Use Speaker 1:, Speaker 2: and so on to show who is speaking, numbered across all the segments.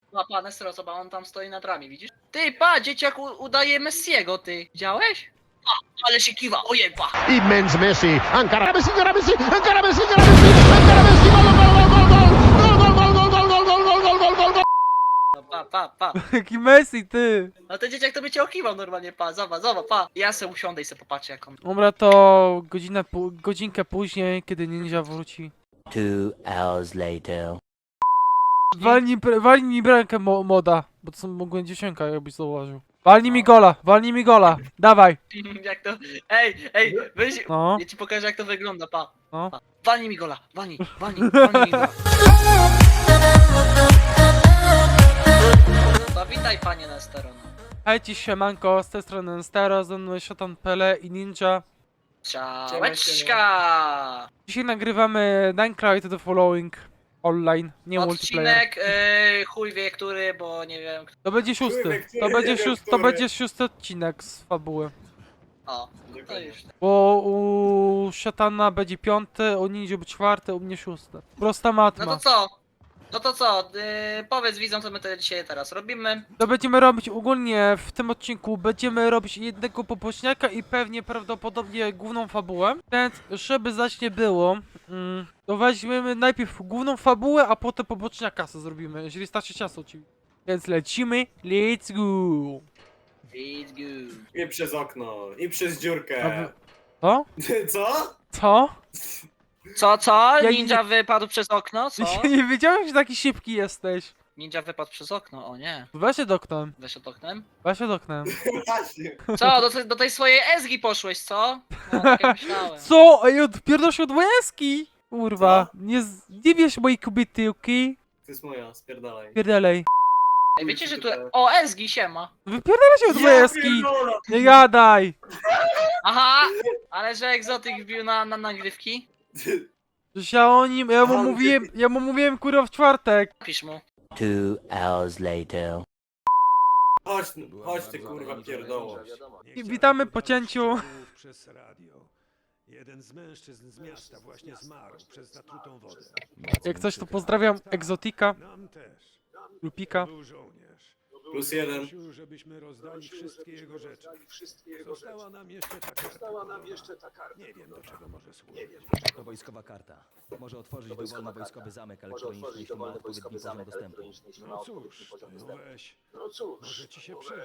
Speaker 1: Pa, Nestero, zobacz, on tam stoi nad rami, widzisz? Ty, pa, dzieciak udaje Messiego, ty. Widziałeś? Pa, ale się kiwa, ojej, pa.
Speaker 2: Immens Messi, encara Messi, encara Messi, encara Messi, encara Messi, encara Messi, gol, gol.
Speaker 1: Pa.
Speaker 3: Jaki Messi, ty!
Speaker 1: No ten dzieciak to by cię okiwał normalnie, pa, zobacz, pa. Ja se usiądę i se popatrzę jak on...
Speaker 3: Dobra, to godzinkę później, kiedy ninja wróci.
Speaker 4: 2 hours later.
Speaker 3: Walnij mi bramkę moda, bo to są mogłem dziewczynka, jakbyś zauważył. Walnij mi gola, dawaj.
Speaker 1: Jak to... Ej, weź...
Speaker 3: No,
Speaker 1: Ja ci pokażę jak to wygląda, pa.
Speaker 3: no.
Speaker 1: Pa. Walnij mi gola, walnij mi gola. To witaj panie Nestero, no.
Speaker 3: Hej ci siemanko, z tej strony Stero, ze mną jest Szatan Pele i Ninja.
Speaker 1: Ciałeczka!
Speaker 3: Dzisiaj nagrywamy Minecraft The Following online, nie multiplayer.
Speaker 1: Odcinek, chuj wie który, bo nie wiem...
Speaker 3: To będzie szósty, to będzie szósty odcinek z fabuły.
Speaker 1: O, to już.
Speaker 3: Bo u Szatana będzie piąty, u Ninja będzie czwarty, u mnie szósty. Prosta matma.
Speaker 1: No to co, powiedz widzom co my dzisiaj teraz robimy.
Speaker 3: To będziemy robić ogólnie w tym odcinku, będziemy robić jednego poboczniaka i pewnie prawdopodobnie główną fabułę. Więc żeby zaś nie było, to weźmiemy najpierw główną fabułę, a potem poboczniaka co zrobimy, jeżeli starczy czasu oczywiście. Więc lecimy, let's go!
Speaker 1: It's good.
Speaker 5: I przez okno, i przez dziurkę.
Speaker 3: Co?
Speaker 5: Co?
Speaker 3: Co?
Speaker 1: Co?
Speaker 3: Ja
Speaker 1: Ninja wypadł przez okno, co?
Speaker 3: Nie wiedziałem, że taki szybki jesteś.
Speaker 1: Ninja wypadł przez okno, o nie.
Speaker 3: Weź się oknem,
Speaker 1: Weź od oknem.
Speaker 3: weź się oknem.
Speaker 5: Właśnie.
Speaker 1: Co, do tej swojej Ezgi poszłeś, co? No, tak jak myślałem.
Speaker 3: Co? Ej, odpierdol się od łezki! Kurwa, nie bierz mojej kobiety, okej?
Speaker 5: To jest moja, spierdalaj.
Speaker 3: Pierdalej.
Speaker 1: Ej, wiecie, że tu... O, Ezgi, siema.
Speaker 3: Wypierdalaj się od łezki!
Speaker 5: pierdolę!
Speaker 3: Nie gadaj!
Speaker 1: Aha, ale że egzotyk wbił na nagrywki?
Speaker 3: Przecież ja o nim, ja mu mówiłem kurwa w czwartek.
Speaker 1: Pisz mu.
Speaker 4: 2 hours later.
Speaker 5: Chodź ty kurwa pierdolo.
Speaker 3: I witamy po cięciu.
Speaker 6: Przez radio. Jeden z mężczyzn z miasta właśnie zmarł przez zatrutą wodę.
Speaker 3: Jak coś to pozdrawiam egzotika,
Speaker 6: Nam też.
Speaker 3: lupika.
Speaker 6: Był żołnierz.
Speaker 5: +1.
Speaker 6: Prosił, żebyśmy rozdali wszystkie jego rzeczy. Została nam jeszcze ta karta. Nie wiem, do czego może służyć.
Speaker 7: To wojskowa karta. Może otworzyć dowolny wojskowy zamek elektroniczny, jeśli ma odpowiedni poziom dostępu.
Speaker 6: No cóż, to ją weź. Może ci się przyda.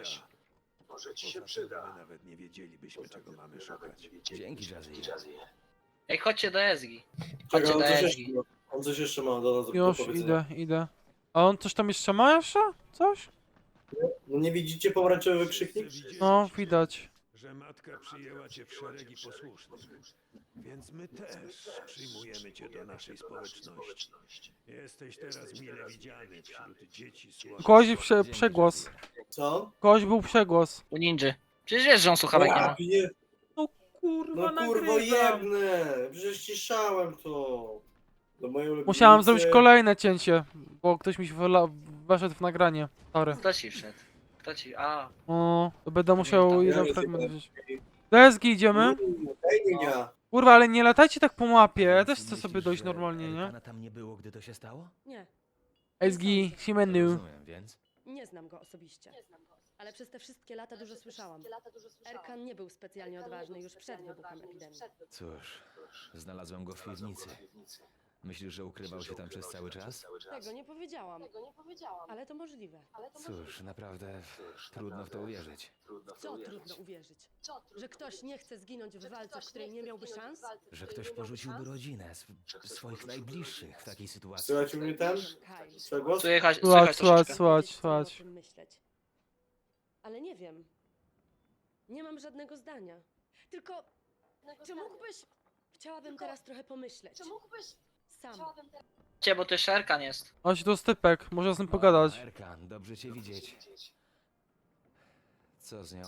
Speaker 6: Poza tym my nawet nie wiedzielibyśmy, czego mamy szukać.
Speaker 7: Dzięki, Jazzy.
Speaker 1: Ej, chodźcie do Ezgi.
Speaker 5: Czekaj,
Speaker 1: Chodźcie do Ezgi.
Speaker 5: on coś jeszcze ma do nas do
Speaker 3: Już
Speaker 5: powiedzenia.
Speaker 3: idę. A on coś tam jeszcze ma jeszcze? Coś?
Speaker 5: No nie widzicie pomarańczowy wykrzyknik?
Speaker 3: No, widać.
Speaker 6: Że matka przyjęła cię w szeregi posłusznych. Więc my też przyjmujemy cię do naszej społeczności. Jesteś teraz mile widziany wśród dzieci słabych.
Speaker 3: Kogoś przegłos.
Speaker 5: Co?
Speaker 3: Kogoś był przegłos.
Speaker 1: U ninży. Przecież wiesz, że on słuchawek nie ma.
Speaker 3: No kurwa,
Speaker 5: No kurwo jebnę! Przecież ciszałem to. Do mojej ulubienicy.
Speaker 3: Musiałem zrobić kolejne cięcie, bo ktoś mi się weszedł w nagranie. Sorry.
Speaker 1: Kto ci wszedł? Kto ci... A.
Speaker 3: O, to będę musiał
Speaker 5: Ja
Speaker 3: jeden
Speaker 5: nie
Speaker 3: fragment
Speaker 5: wiem.
Speaker 3: wziąć. Do Ezgi idziemy.
Speaker 5: Ej, nie.
Speaker 3: Kurwa, ale nie latajcie tak po mapie, ja też chcę sobie dojść normalnie, nie?
Speaker 7: Erkana tam nie było, gdy to się stało?
Speaker 8: Nie,
Speaker 3: Ezgi, Simenu.
Speaker 7: Rozumiem, więc.
Speaker 8: nie znam go osobiście. Ale przez te wszystkie lata dużo słyszałam. Erkan nie był specjalnie odważny już przed wybuchem epidemii.
Speaker 7: Cóż, znalazłem go w piwnicy. Myślisz, że ukrywał się tam przez cały czas?
Speaker 8: Tego nie powiedziałam. Ale to możliwe.
Speaker 7: Cóż, naprawdę trudno w to uwierzyć.
Speaker 8: W co trudno uwierzyć? Że ktoś nie chce zginąć w walce, w której nie miałby szans?
Speaker 7: Że ktoś porzuciłby rodzinę, swoich najbliższych w takiej sytuacji.
Speaker 5: Słychać u mnie ten?
Speaker 8: Kaj,
Speaker 5: Przegłos?
Speaker 1: Słychać
Speaker 3: Słuchać.
Speaker 8: o tym myśleć. Ale nie wiem. Nie mam żadnego zdania. Tylko, czy mógłbyś... Chciałabym teraz trochę pomyśleć. Sam.
Speaker 1: Bo ty Szerkan jest.
Speaker 3: Chodź do stypek, można z nim pogadać.
Speaker 7: O, Erkan, dobrze cię widzieć. Co z nią?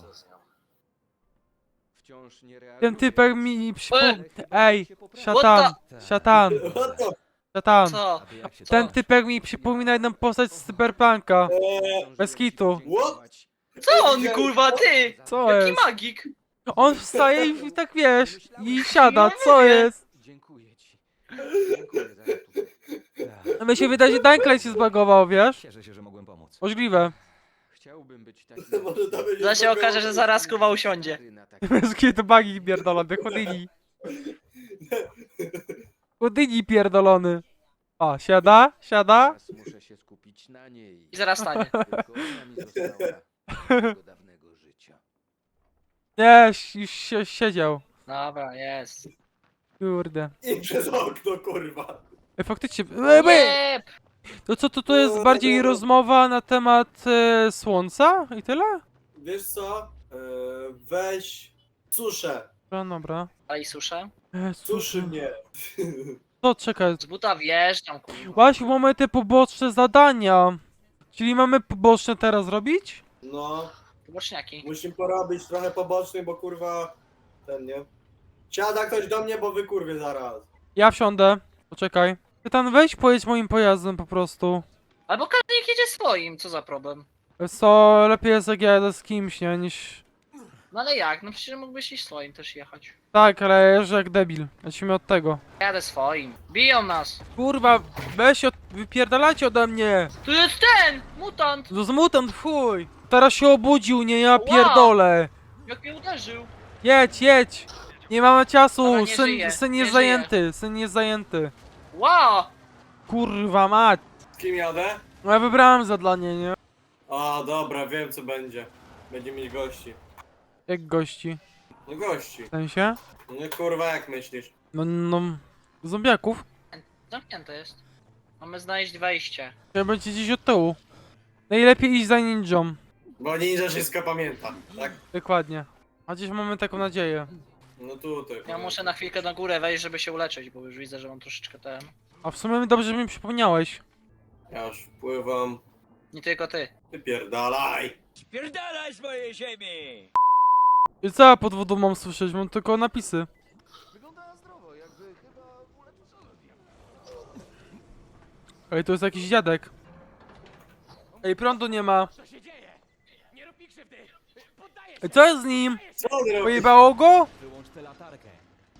Speaker 3: Ten typek mi przypomniał... Ej,
Speaker 1: What
Speaker 3: szatan.
Speaker 1: Co?
Speaker 7: Aby jak się
Speaker 3: Ten typek mi przypomina jedną postać z Cyberpunka. Bez kitu.
Speaker 5: What?
Speaker 1: Co on, kurwa, ty?
Speaker 3: Co
Speaker 1: Jaki
Speaker 3: jest?
Speaker 1: magik?
Speaker 3: On wstaje i tak wiesz, i siada, co jest?
Speaker 7: Dziękuję ci. Dziękuję za ratunek.
Speaker 3: A mi się wydaje, że Dunkley się zbagował, wiesz?
Speaker 7: Cieszę się, że mogłem pomóc. pomóc.
Speaker 3: Możliwe.
Speaker 9: Chciałbym być taki...
Speaker 5: Może to będzie
Speaker 1: To się okaże, że zaraz Kuba usiądzie.
Speaker 9: Na
Speaker 3: To bagi pierdolony, Houdini. Houdini pierdolony. O, siada, siada.
Speaker 9: Teraz muszę się skupić na niej.
Speaker 1: I zaraz stanie.
Speaker 9: Tylko ona mi została z mojego dawnego życia.
Speaker 3: Nie, już się siedział.
Speaker 1: Dobra, jest.
Speaker 3: Kurde.
Speaker 5: I przez okno, kurwa.
Speaker 3: Faktycznie.
Speaker 1: Nie!
Speaker 3: To co, to jest bardziej rozmowa na temat słońca i tyle?
Speaker 5: Wiesz co? Weź suszę.
Speaker 3: Dobra, dobra.
Speaker 1: Daj suszę.
Speaker 5: Suszy mnie.
Speaker 3: To czekaj.
Speaker 1: Z buta wjeżdżam, kurwa.
Speaker 3: Właśnie mamy te poboczne zadania. Czyli mamy poboczne teraz robić?
Speaker 5: No,
Speaker 1: Boczniaki.
Speaker 5: musimy porobić trochę pobocznych, bo kurwa... Ten, nie? Siada ktoś do mnie, bo wy kurwie zaraz.
Speaker 3: Ja wsiądę. Poczekaj. Pytan, weź pojedź moim pojazdem po prostu.
Speaker 1: Albo każdy niech jedzie swoim, co za problem.
Speaker 3: Wiesz co, lepiej jest jak jadę z kimś, nie, niż...
Speaker 1: No ale jak? No przecież mógłbyś iść swoim też jechać.
Speaker 3: Tak, ale jeżdżę jak debil. Lecimy od tego.
Speaker 1: Jadę swoim. Biją nas.
Speaker 3: Kurwa, weź wypierdalajcie ode mnie!
Speaker 1: Tu jest ten! Mutant!
Speaker 3: To z mutant, fuj! Teraz się obudził, nie, ja
Speaker 1: Ła!
Speaker 3: pierdolę!
Speaker 1: Jak mnie uderzył.
Speaker 3: Jedź, jedź! Nie mamy
Speaker 1: Dobra,
Speaker 3: czasu,
Speaker 1: nie
Speaker 3: syn
Speaker 1: żyje,
Speaker 3: jest
Speaker 1: nie
Speaker 3: zajęty, syn jest zajęty.
Speaker 1: Wow!
Speaker 3: Kurwa mać!
Speaker 5: Z kim jadę?
Speaker 3: No ja wybrałem zadanie, nie?
Speaker 5: A, dobra, wiem co będzie. Będzie mieć gości.
Speaker 3: Jak gości.
Speaker 5: No gości.
Speaker 3: W sensie?
Speaker 5: No kurwa, jak myślisz?
Speaker 3: No, zombiaków.
Speaker 1: Zamknięte jest. Mamy znaleźć wejście.
Speaker 3: Ja będzie gdzieś od tyłu. Najlepiej iść za ninją.
Speaker 5: Bo ninja wszystko pamięta, tak?
Speaker 3: Dokładnie. A gdzieś mamy taką nadzieję.
Speaker 5: No tutaj.
Speaker 1: Ja muszę na chwilkę na górę wejść, żeby się uleczyć, bo już widzę, że mam troszeczkę ten.
Speaker 3: A w sumie dobrze, że mi przypomniałeś.
Speaker 5: Ja już wpływam.
Speaker 1: Nie tylko ty.
Speaker 5: Wypierdalaj!
Speaker 7: Spierdalaj z mojej ziemi!
Speaker 3: I co ja pod wodą mam słyszeć? Mam tylko napisy. Ej, to jest jakiś dziadek. Ej, prądu nie ma. Ej, co jest z nim?
Speaker 5: Co on robi?
Speaker 3: Pojebało go?
Speaker 7: Wyłącz tę latarkę.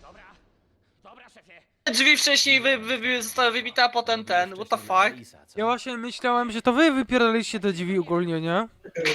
Speaker 1: Drzwi wcześniej zostały wybite, a potem ten. What the fuck?
Speaker 7: Lisa, co?
Speaker 3: Ja właśnie myślałem, że to wy wypierdaliście te drzwi ogólnie, nie?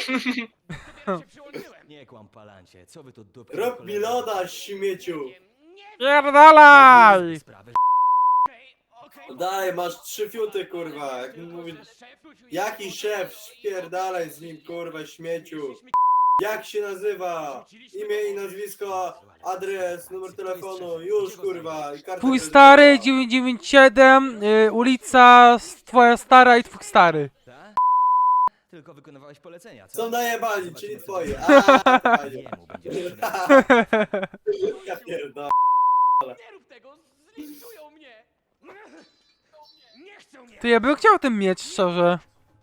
Speaker 7: Nie kłam, palancie. Co wy tu dupki...
Speaker 5: Rob mi loda, śmieciu!
Speaker 3: Pierdalaj!
Speaker 7: Sprawy,
Speaker 5: Daj, masz 3 fiuty, kurwa. Jak mówi... Jaki szef? Spierdalaj z nim, kurwa, śmieciu. Jak się nazywa? Imię i nazwisko, adres, numer telefonu, już kurwa. I karta
Speaker 3: Twój
Speaker 5: kredytowa.
Speaker 3: stary 997, ulica twoja stara i twój stary.
Speaker 7: tak? Tylko wykonywałeś polecenia, co?
Speaker 5: Są najebani, czyli twoje.
Speaker 7: Jemu będziesz sprzedał.
Speaker 5: Ja pierdolę.
Speaker 7: Nie rób tego! Zlikwidują mnie! Nie chcą mnie!
Speaker 3: Ty, ja bym chciał ten miecz, szczerze.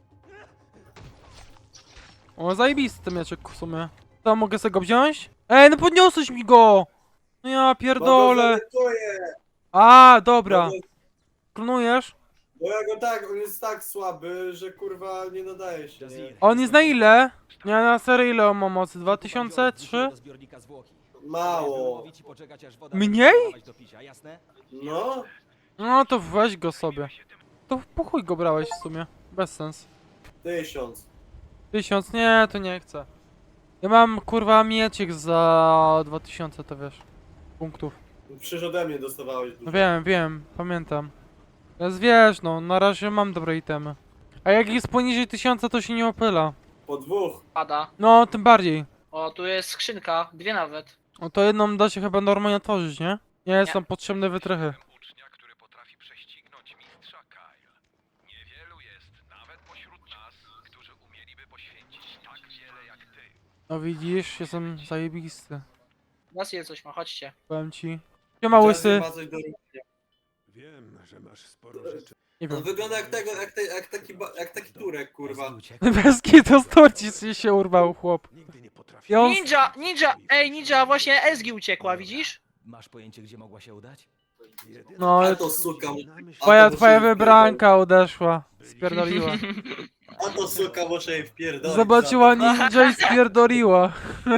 Speaker 3: O, zajebisty ten mieczek w sumie. To mogę sobie go wziąć? Ej, no podniosłeś mi go! No ja pierdolę. A, dobra. Klonujesz?
Speaker 5: Bo ja go tak, on jest tak słaby, że kurwa nie nadaje się. Nie?
Speaker 3: A on jest na ile? Nie, na serio ile on ma mocy? 2003?
Speaker 7: Do zbiornika zwłoki.
Speaker 5: Mało.
Speaker 7: Mówić i poczekać, aż woda
Speaker 3: Mniej?
Speaker 7: będzie do picia, jasne?
Speaker 5: No,
Speaker 3: No to weź go sobie. To po chuj go brałeś w sumie. Bez sens.
Speaker 5: 1000.
Speaker 3: 1000? Nie, to nie chcę. Ja mam kurwa miecik za 2000, to wiesz. Punktów.
Speaker 5: Przecież ode mnie dostawałeś
Speaker 3: No
Speaker 5: dużo.
Speaker 3: wiem, pamiętam. Teraz wiesz, no, na razie mam dobre itemy. A jak jest poniżej 1000, to się nie opyla.
Speaker 5: Po 2.
Speaker 1: Pada.
Speaker 3: No, tym bardziej.
Speaker 1: O, tu jest skrzynka. 2 nawet.
Speaker 3: No to jedną da się chyba normalnie otworzyć, nie? Nie, są potrzebne wytrychy.
Speaker 6: Ucznia, który potrafi prześcignąć mistrza Kyle. Niewielu jest, nawet pośród nas, którzy umieliby poświęcić tak wiele jak ty.
Speaker 3: No widzisz, jestem zajebisty.
Speaker 1: Was je coś ma, chodźcie.
Speaker 3: Powiem ci. Siema łysy.
Speaker 5: Ma coś do robienia.
Speaker 6: Wiem, że masz sporo rzeczy.
Speaker 3: Nie
Speaker 5: On
Speaker 3: wiem.
Speaker 5: wygląda jak tego, jak taki Turek, kurwa.
Speaker 7: Uciekł.
Speaker 3: Bez to storci się urwał chłop.
Speaker 6: Nigdy nie potrafiłem.
Speaker 3: Ja on...
Speaker 1: Ninja! Ej, ninja, właśnie Ezgi uciekła, widzisz?
Speaker 7: Masz pojęcie, gdzie mogła się udać?
Speaker 6: Jedyne,
Speaker 3: No,
Speaker 5: A to suka,
Speaker 3: twoja wybranka odeszła. Spierdoliła.
Speaker 5: a to suka muszę jej wpierdolić.
Speaker 3: Zobaczyła ninja i spierdoliła.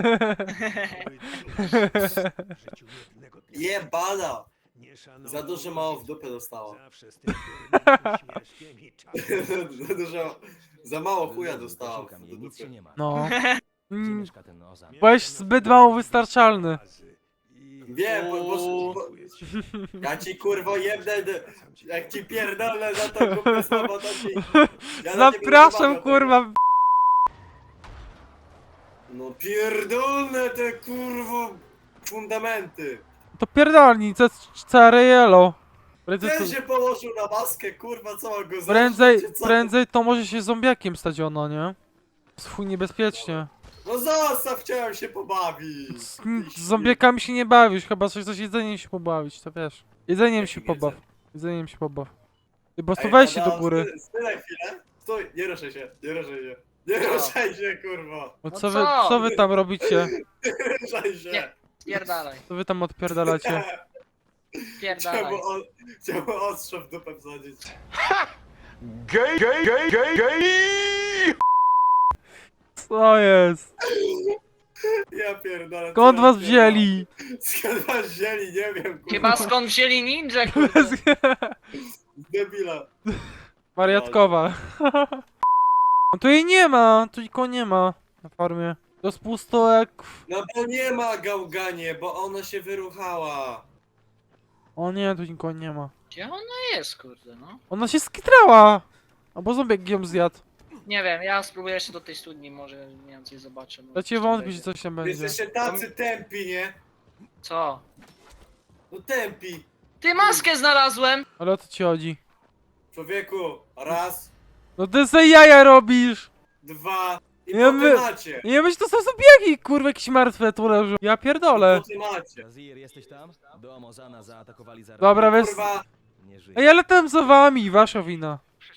Speaker 6: w życiu jednego dnia
Speaker 5: Jebana!
Speaker 6: nie szanował
Speaker 5: Za dużo mało w dupę dostała.
Speaker 6: Zawsze z tym durnym uśmieszkiem i czapką.
Speaker 5: Za dużo Za mało chuja
Speaker 7: Lubi,
Speaker 5: dostałem.
Speaker 7: posiłkam jej, nic się nie ma.
Speaker 3: No.
Speaker 7: Gdzie
Speaker 3: Mm,
Speaker 7: mieszka ten Ozan?
Speaker 3: byłeś zbyt mało wystarczalny.
Speaker 5: Wiem, bo ja ci kurwo jebnę, jak ci pierdolę za to głupie słowo, to ci... Ja na ciebie
Speaker 3: Zapraszam,
Speaker 5: nie
Speaker 3: kurwa.
Speaker 5: No pierdolne te kurwo fundamenty.
Speaker 3: To pierdolni, Cariello.
Speaker 5: Ten się położył na maskę, kurwa, co mam go
Speaker 3: Prędzej,
Speaker 5: zacząć, czy co?
Speaker 3: prędzej to może się zombiakiem stać ono, nie? Swój niebezpiecznie.
Speaker 5: No zostaw, chciałem się pobawić.
Speaker 3: Z zombiakami się nie bawisz, chyba coś z jedzeniem się pobawić, to wiesz. Jedzeniem się pobaw. Jedzeniem się pobaw. Ty po prostu weź się do góry.
Speaker 5: Style chwilę. Stój, nie ruszaj się, nie ruszaj się. Nie ruszaj się, kurwa.
Speaker 3: No
Speaker 1: No
Speaker 3: co wy,
Speaker 1: co?
Speaker 3: co wy tam robicie?
Speaker 5: Nie ruszaj się.
Speaker 1: Nie. Spierdalaj,
Speaker 3: Co wy tam odpierdalacie?
Speaker 1: spierdalaj.
Speaker 5: Chciałbym ostrze w dupę wsadzić.
Speaker 3: Co jest?
Speaker 5: Ja pierdolę.
Speaker 3: Skąd
Speaker 5: co
Speaker 3: was
Speaker 5: ja
Speaker 3: wzięli?
Speaker 5: pierdolę. Skąd was wzięli, nie wiem, kurwa.
Speaker 1: Chyba skąd wzięli ninja, kurde.
Speaker 5: Debila.
Speaker 3: Wariatkowa. No tu jej nie ma, tu nikogo nie ma na farmie. To jest pusto jak...
Speaker 5: No bo nie ma gałganie, bo ona się wyruchała.
Speaker 3: O nie, tu nikogo nie ma.
Speaker 1: Gdzie ona jest, kurde, no?
Speaker 3: Ona się skitrała! Albo zombiak ją zjadł.
Speaker 1: Nie wiem, ja spróbuję jeszcze do tej studni, może więcej zobaczę. może
Speaker 3: Ja cię
Speaker 1: coś tam
Speaker 3: wątpię, że
Speaker 1: będzie.
Speaker 3: coś tam
Speaker 5: Wy
Speaker 3: będzie.
Speaker 5: jesteście tacy tępi, nie?
Speaker 1: Co?
Speaker 5: No tępi.
Speaker 1: Ty, maskę znalazłem!
Speaker 3: Ale o co ci chodzi?
Speaker 5: Człowieku, raz,
Speaker 3: No ty se jaja robisz!
Speaker 5: dwa i
Speaker 3: Ja
Speaker 5: po
Speaker 3: my-
Speaker 5: temacie.
Speaker 3: Nie myśl, to są zombiaki, kurwa, jakieś martwe tu leżą. Ja pierdolę.
Speaker 5: Po temacie.
Speaker 7: Jazir, jesteś tam? Dom Ozana zaatakowali zaraz.
Speaker 3: Dobra, weź...
Speaker 5: Kurwa,
Speaker 7: Nie żyje.
Speaker 3: Ej, ale tam za wami, wasza wina.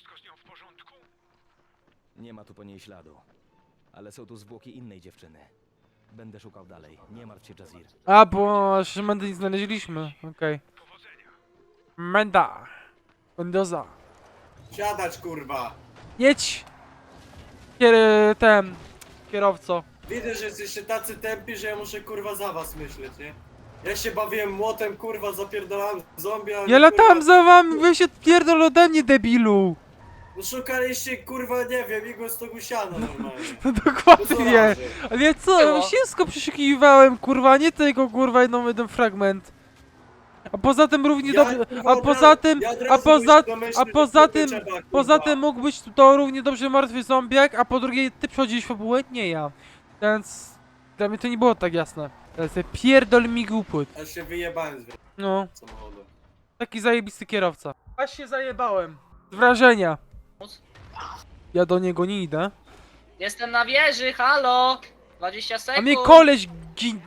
Speaker 7: Nie ma tu po niej śladu. Ale są tu zwłoki innej dziewczyny. Będę szukał dalej. Nie martw się, Jazir.
Speaker 3: A, bo jeszcze Mendy nie znaleźliśmy. Okej. Menda. Mendoza.
Speaker 5: siadać, kurwa.
Speaker 3: Jedź! Ten... Kierowco.
Speaker 5: Widzę, że jesteście tacy tępi, że ja muszę, kurwa, za was myśleć, nie? Ja się bawiłem młotem, kurwa, zapierdolałem zombie, a
Speaker 3: Ja
Speaker 5: wy,
Speaker 3: latam
Speaker 5: kurwa,
Speaker 3: za wami, wy się pierdol ode mnie, debilu!
Speaker 5: no szukaliście, kurwa, nie wiem, igły z tego siana normalnie.
Speaker 3: No
Speaker 5: No co
Speaker 3: dokładnie.
Speaker 5: razy?
Speaker 3: Ale co,
Speaker 1: Było.
Speaker 3: wszystko przeszukiwałem, kurwa, nie tylko, kurwa, jeden fragment. A poza tym równie
Speaker 5: Ja,
Speaker 3: dobrze,
Speaker 5: kurwa,
Speaker 3: a poza tym,
Speaker 5: ja od
Speaker 3: a
Speaker 5: razu
Speaker 3: poza,
Speaker 5: się domyślił,
Speaker 3: a
Speaker 5: że
Speaker 3: poza
Speaker 5: to
Speaker 3: tym,
Speaker 5: trzeba, kurwa.
Speaker 3: poza tym mógł być to równie dobrze martwy zombiak, a po drugie ty przechodziłeś fabułę, nie ja. Więc dla mnie to nie było tak jasne. Ale sobie pierdol mi głupot.
Speaker 5: Ja się wyjebałem z
Speaker 3: No,
Speaker 5: samochodu.
Speaker 3: taki zajebisty kierowca. Aż się zajebałem. Z wrażenia. Ja do niego nie idę.
Speaker 1: Jestem na wieży, halo! 20
Speaker 3: A
Speaker 1: sekund!
Speaker 3: mnie koleś
Speaker 5: Gdzie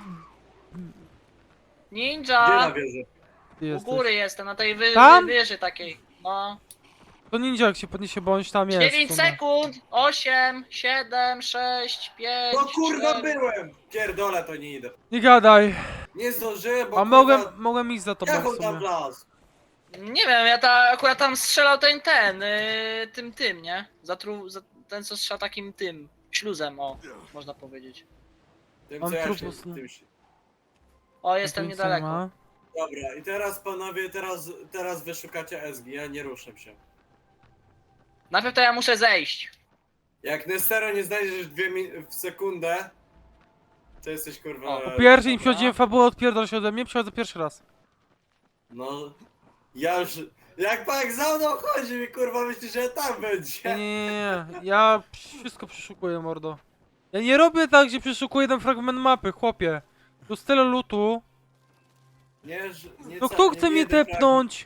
Speaker 1: Ninja!
Speaker 5: na wieży?
Speaker 3: Ty
Speaker 1: U
Speaker 3: jesteś.
Speaker 1: góry jestem, na tej
Speaker 3: Tam?
Speaker 1: wieży takiej. No.
Speaker 3: To ninja jak się podniesie, bo on tam jest.
Speaker 1: 9
Speaker 3: w sumie.
Speaker 1: sekund! 8, 7, 6, 5,
Speaker 5: No kurwa
Speaker 1: 4.
Speaker 5: byłem! Pierdolę, to nie idę.
Speaker 3: Nie gadaj.
Speaker 5: Nie zdążyłem, bo
Speaker 3: A
Speaker 5: kurwa,
Speaker 3: mogłem iść za tobą
Speaker 5: jak
Speaker 3: w
Speaker 5: on tam
Speaker 3: sumie.
Speaker 5: wlazł?
Speaker 1: Nie wiem, ja akurat tam strzelał tym, nie? Ten co strzela takim tym, śluzem, o, można powiedzieć.
Speaker 5: Tym,
Speaker 3: On
Speaker 5: co ja się,
Speaker 3: trupus, no.
Speaker 5: tym się.
Speaker 1: O, jestem
Speaker 3: Tu nic nie
Speaker 1: niedaleko.
Speaker 3: ma.
Speaker 5: Dobra, i teraz panowie, teraz wyszukacie SG, ja nie ruszę się.
Speaker 1: Najpierw to ja muszę zejść.
Speaker 5: Jak Nestero nie znajdziesz w sekundę, to jesteś kurwa...
Speaker 1: O,
Speaker 3: Po pierwsze nie
Speaker 1: Dobra.
Speaker 3: przechodziłem fabułę, odpierdol się ode mnie, przechodzę pierwszy raz.
Speaker 5: No, ja już... Jak pan za mną chodzi mi kurwa, myślisz, że tam
Speaker 3: Nie,
Speaker 5: będzie?
Speaker 3: nie. Ja wszystko przeszukuję, mordo. Ja nie robię tak, że przeszukuję jeden fragment mapy, chłopie. Tu jest tyle lutu.
Speaker 5: Nie, nie
Speaker 3: No kto chce mnie tepnąć?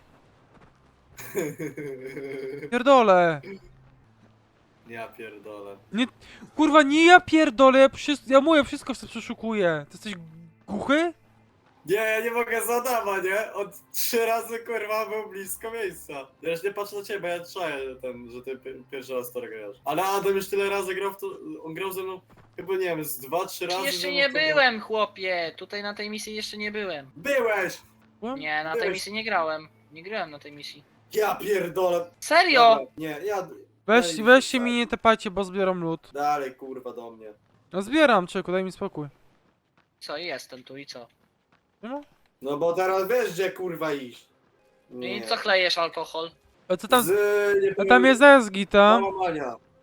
Speaker 3: Pierdolę.
Speaker 5: Ja pierdolę.
Speaker 3: Kurwa, nie ja pierdolę, ja mówię, wszystko przeszukuję. Ty jesteś głuchy?
Speaker 5: Nie, ja nie mogę zadama, nie? Od 3 razy kurwa był blisko miejsca. Ja już nie patrzę na ciebie, bo ja czaję, że ty pierwszy raz to grasz. Ale Adam już tyle razy grał w to, on grał ze mną chyba nie wiem, z 2-3 razy.
Speaker 1: Jeszcze
Speaker 5: ze mną
Speaker 1: nie
Speaker 5: to grał.
Speaker 1: byłem, chłopie. Tutaj na tej misji jeszcze nie byłem.
Speaker 5: Byłeś!
Speaker 1: Nie, na tej
Speaker 5: Byłeś.
Speaker 1: misji nie grałem. Nie grałem na tej misji.
Speaker 5: Ja pierdolę.
Speaker 1: Serio?
Speaker 5: Dobra, nie, ja...
Speaker 3: Weź się mi nie tepajcie, bo zbieram lód.
Speaker 5: Dalej kurwa do mnie.
Speaker 3: No zbieram, czeku, daj mi spokój.
Speaker 1: Co, jestem tu i co?
Speaker 3: No.
Speaker 5: No bo teraz wiesz gdzie kurwa iść.
Speaker 1: I co chlejesz alkohol?
Speaker 3: A co tam?
Speaker 5: Z... nie
Speaker 3: A tam jest Ezgi, tam?
Speaker 5: Załamania.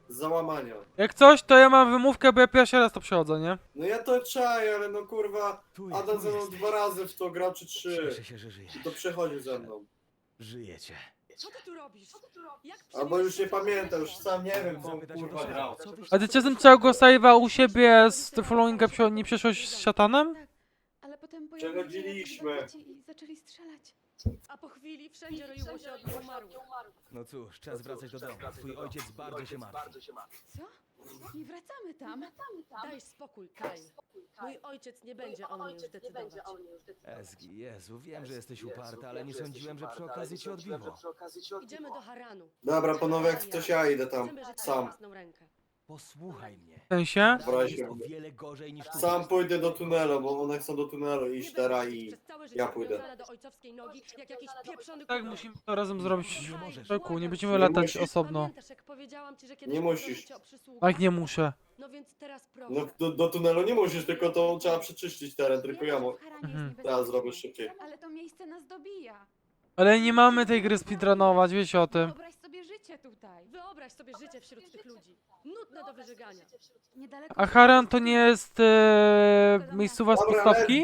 Speaker 5: załamania.
Speaker 3: Jak coś, to ja mam wymówkę, bo ja pierwszy raz to przechodzę, nie?
Speaker 5: No ja to czaję, ale no kurwa,
Speaker 7: Tu jest,
Speaker 5: Adam
Speaker 7: tu
Speaker 5: ze mną
Speaker 7: jest.
Speaker 5: 2 razy w to grał, czy 3.
Speaker 7: Cieszę się, że żyjesz.
Speaker 5: I to przechodzi ze mną.
Speaker 7: Żyjecie.
Speaker 8: Co ty tu robisz? Jak
Speaker 5: Albo już nie pamiętam, już sam nie wiem, co
Speaker 7: Zapytać o
Speaker 5: kurwa
Speaker 7: to,
Speaker 5: grał.
Speaker 7: co wy-
Speaker 3: A ty czasem całego save'a u siebie z The Followinga nie przeszłeś z szatanem?
Speaker 10: Tak, ale potem
Speaker 5: Przechodziliśmy.
Speaker 10: i zaczęli strzelać.
Speaker 8: A po chwili wszędzie roiło się od nieumarłych.
Speaker 7: No cóż, czas wracać do domu. Twój ojciec bardzo się martwi.
Speaker 10: Co? Nie wracamy tam.
Speaker 8: Daj spokój, Kyle. Mój ojciec nie będzie o mnie już decydować.
Speaker 7: Ezgi, Jezu, wiem, że jesteś uparta, ale nie sądziłem, że przy okazji cię odbiło.
Speaker 8: Idziemy do Haranu.
Speaker 5: Dobra, panowie, jak coś ja idę tam.
Speaker 8: Chcemy żyć na
Speaker 5: Sam.
Speaker 8: własną rękę.
Speaker 7: Posłuchaj mnie.
Speaker 3: W sensie?
Speaker 5: Dobra,
Speaker 7: Jest
Speaker 5: się-
Speaker 7: o wiele gorzej niż tu.
Speaker 5: Sam pójdę do tunelu, bo one chcą do tunelu iść
Speaker 8: Nie
Speaker 5: teraz
Speaker 8: będę
Speaker 5: i...
Speaker 8: przez całe życie
Speaker 5: ja pójdę.
Speaker 8: przywiązana do ojcowskiej nogi, jak jakiś pieprzony
Speaker 3: Tak,
Speaker 8: kubeł.
Speaker 3: musimy to razem zrobić.
Speaker 7: Nie możesz.
Speaker 3: Czeku, nie będziemy
Speaker 5: Nie
Speaker 3: latać
Speaker 5: musisz.
Speaker 3: osobno.
Speaker 8: Pamiętasz, jak powiedziałam ci, że kiedyś
Speaker 5: Nie
Speaker 8: poproszę
Speaker 5: musisz.
Speaker 8: cię o przysługę?
Speaker 3: Tak, nie muszę.
Speaker 8: No więc teraz proszę.
Speaker 5: No do tunelu nie musisz, tylko to trzeba przeczyścić teren, tylko ja mu... Teraz zrobię szybciej.
Speaker 10: Ale to miejsce nas dobija.
Speaker 3: Ale nie mamy tej gry speedrunować, wiecie o tym.
Speaker 10: Wyobraź sobie życie tutaj.
Speaker 8: Wyobraź sobie życie wśród tych ludzi. Nudne do wyżygania.
Speaker 10: Niedaleko.
Speaker 3: A Haran to nie jest miejscowa z
Speaker 5: Dobra,
Speaker 3: podstawki?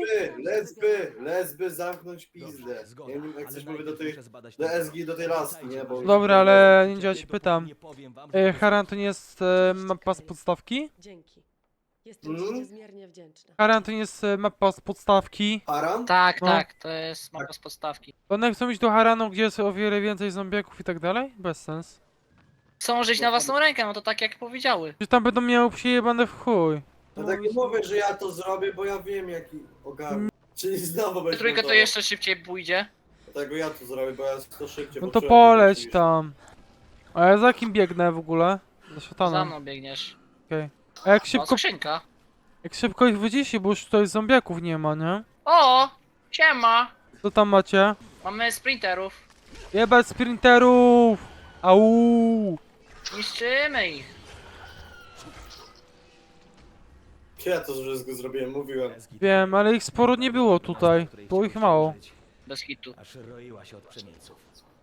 Speaker 5: lesby, zamknąć pizdę.
Speaker 7: Dobrze, zgoda.
Speaker 5: Ja nie wiem, jak
Speaker 7: ale
Speaker 5: coś mówię do
Speaker 7: najpierw
Speaker 5: tej...
Speaker 7: muszę zbadać
Speaker 5: do
Speaker 7: ten
Speaker 5: SG, do tej
Speaker 7: teren.
Speaker 5: laski, nie, bo-
Speaker 3: Dobra, ale nie działa, ci pytam.
Speaker 7: Nie powiem wam, że to
Speaker 3: Haran to nie jest mapa z podstawki?
Speaker 8: Dzięki. Jestem ci
Speaker 5: Mm?
Speaker 8: niezmiernie wdzięczna.
Speaker 3: Haran to nie jest mapa z podstawki.
Speaker 5: Haran?
Speaker 1: Tak,
Speaker 3: No.
Speaker 1: tak, to jest mapa z podstawki.
Speaker 3: One chcą iść do Haranu, gdzie jest o wiele więcej zombiaków i tak dalej? Bez sens.
Speaker 1: Chcą żyć na własną rękę, no to tak jak powiedziały.
Speaker 3: Że tam będą miały przyjebane w chuj.
Speaker 5: No tak nie mówię, że ja to zrobię, bo ja wiem jaki ogarnę. Czyli znowu będzie
Speaker 1: Trójkę to
Speaker 5: montował.
Speaker 1: jeszcze szybciej pójdzie.
Speaker 5: Dlatego ja to zrobię, bo ja to szybciej
Speaker 3: No to
Speaker 5: poczułem,
Speaker 3: poleć
Speaker 5: niż-
Speaker 3: tam. A ja za kim biegnę w ogóle? Za
Speaker 1: Za
Speaker 3: szatanem.
Speaker 1: mną biegniesz.
Speaker 3: A jak
Speaker 1: O,
Speaker 3: szybko,
Speaker 1: skrzynka.
Speaker 3: jak szybko ich wydzieści, bo już tutaj zombiaków nie ma, nie?
Speaker 1: O! Siema!
Speaker 3: Co tam macie?
Speaker 1: Mamy sprinterów.
Speaker 3: Jebać sprinterów! Au!
Speaker 1: Niszczymy ich.
Speaker 5: Ja to wszystko zrobiłem, mówiłem.
Speaker 7: Ezgi,
Speaker 3: Wiem, ale ich sporo nie było tutaj.
Speaker 7: której
Speaker 3: Było ich
Speaker 7: chciałeś
Speaker 3: mało.
Speaker 7: żyć,
Speaker 1: Bez hitu.
Speaker 7: Aż roiła się od przemieńców.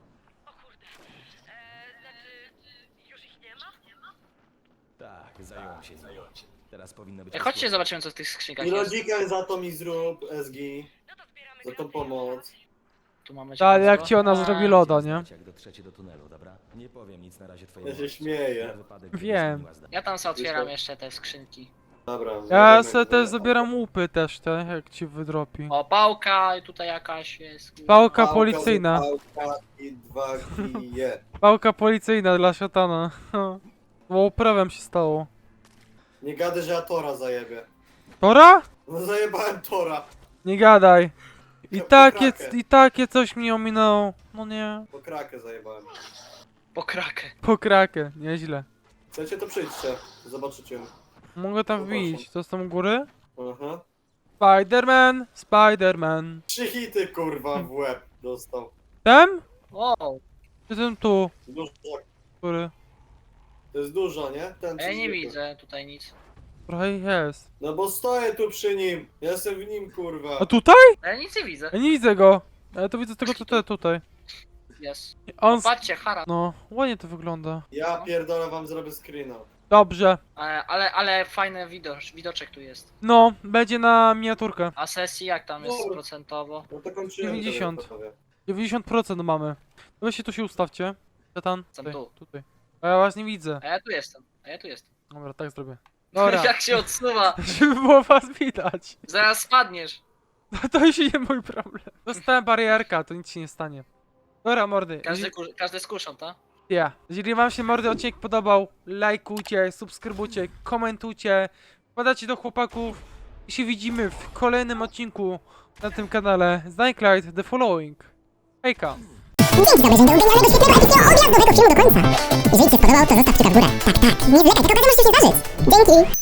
Speaker 7: Tak, zająłem się nimi. Teraz powinno być...
Speaker 1: Chodźcie,
Speaker 7: bezpiecznie.
Speaker 1: zobaczymy co w tych skrzynkach
Speaker 5: I
Speaker 1: jest.
Speaker 5: lodzika za to mi zrób, SG. Za tą pomoc.
Speaker 1: Tu mamy
Speaker 3: Tak, jak
Speaker 1: ciekawstwo.
Speaker 3: ci ona
Speaker 1: A,
Speaker 3: zrobi loda, nie?
Speaker 7: Znać, jak dotrzecie do tunelu, dobra? Nie powiem nic na razie twojemu
Speaker 5: Ja się
Speaker 7: ojcu.
Speaker 5: śmieję.
Speaker 7: Na wypadek, gdyby
Speaker 3: Wiem.
Speaker 7: zmieniła zdanie.
Speaker 1: Ja tam sobie otwieram jeszcze te skrzynki.
Speaker 5: Dobra.
Speaker 3: Ja
Speaker 5: wiemy,
Speaker 3: sobie
Speaker 5: że-
Speaker 3: też zabieram łupy też, te, jak ci wydropi.
Speaker 1: O, pałka i tutaj jakaś jest.
Speaker 3: Pałka
Speaker 5: Pałka,
Speaker 3: policyjna.
Speaker 5: pałka i 2 kije.
Speaker 3: Pałka policyjna dla szatana. Bo prawem się stało.
Speaker 5: Nie gadaj, że ja Tora zajebię.
Speaker 3: Tora?
Speaker 5: No zajebałem Tora.
Speaker 3: Nie gadaj.
Speaker 5: Krakę.
Speaker 3: I takie coś mi ominęło. No nie.
Speaker 5: Po krakę zajebałem.
Speaker 1: Po krakę.
Speaker 3: Po krakę, nieźle.
Speaker 5: Chcecie, to przyjdźcie. Zobaczycie.
Speaker 3: Mogę tam
Speaker 5: Zobaczę.
Speaker 3: wbić. Co z tam u góry?
Speaker 5: Aha.
Speaker 3: Spiderman, Spiderman.
Speaker 5: 3 hity kurwa w łeb dostał.
Speaker 3: Ten?
Speaker 1: O,
Speaker 3: Czy ten tu?
Speaker 5: Dużo.
Speaker 3: Który?
Speaker 5: To jest dużo, nie? Ten
Speaker 1: ja
Speaker 5: co
Speaker 1: nie
Speaker 5: zwykły.
Speaker 1: widzę tutaj nic.
Speaker 3: Trochę ich jest.
Speaker 5: No bo stoję tu przy nim. Ja jestem w nim kurwa.
Speaker 3: A tutaj?
Speaker 1: Ja nic nie widzę.
Speaker 3: Ja nie widzę go. Ja to widzę tego tutaj.
Speaker 1: Jest.
Speaker 3: On...
Speaker 1: Patrzcie, Hara.
Speaker 3: No, ładnie to wygląda.
Speaker 5: Ja pierdolę wam zrobię screena.
Speaker 3: Dobrze.
Speaker 1: Ale fajny widoczek tu jest.
Speaker 3: No, będzie na miniaturkę.
Speaker 1: A sesji jak tam jest
Speaker 5: Dobra.
Speaker 1: procentowo?
Speaker 5: No to kończymy.
Speaker 3: 90.
Speaker 5: to wiem,
Speaker 3: 90% mamy. Weźcie tu się ustawcie. Szatan.
Speaker 1: Jestem tu.
Speaker 3: Tutaj. A ja was nie widzę.
Speaker 1: A ja tu jestem.
Speaker 3: Dobra, tak zrobię. Dobra.
Speaker 1: Jak się odsuwa.
Speaker 3: Żeby było was widać.
Speaker 1: Zaraz spadniesz.
Speaker 3: No to już nie mój problem. Dostałem barierka, to nic się nie stanie. Dobra, mordy.
Speaker 1: Każdy z kuszą, tak?
Speaker 3: Ja. Jeżeli wam się mordy odcinek podobał, lajkujcie, subskrybujcie, komentujcie, wpadacie do chłopaków i się widzimy w kolejnym odcinku na tym kanale Nightlight The Following. Hejka.
Speaker 11: Dzięki dobry, że do udajnego świetnego, epickiego odjazdowego filmu do końca. Jeżeli Ci się spodobał, to zostaw kciuka w górę. Tak, tak, nie zwlekaj, taka okazja może się zdarzyć. Dzięki.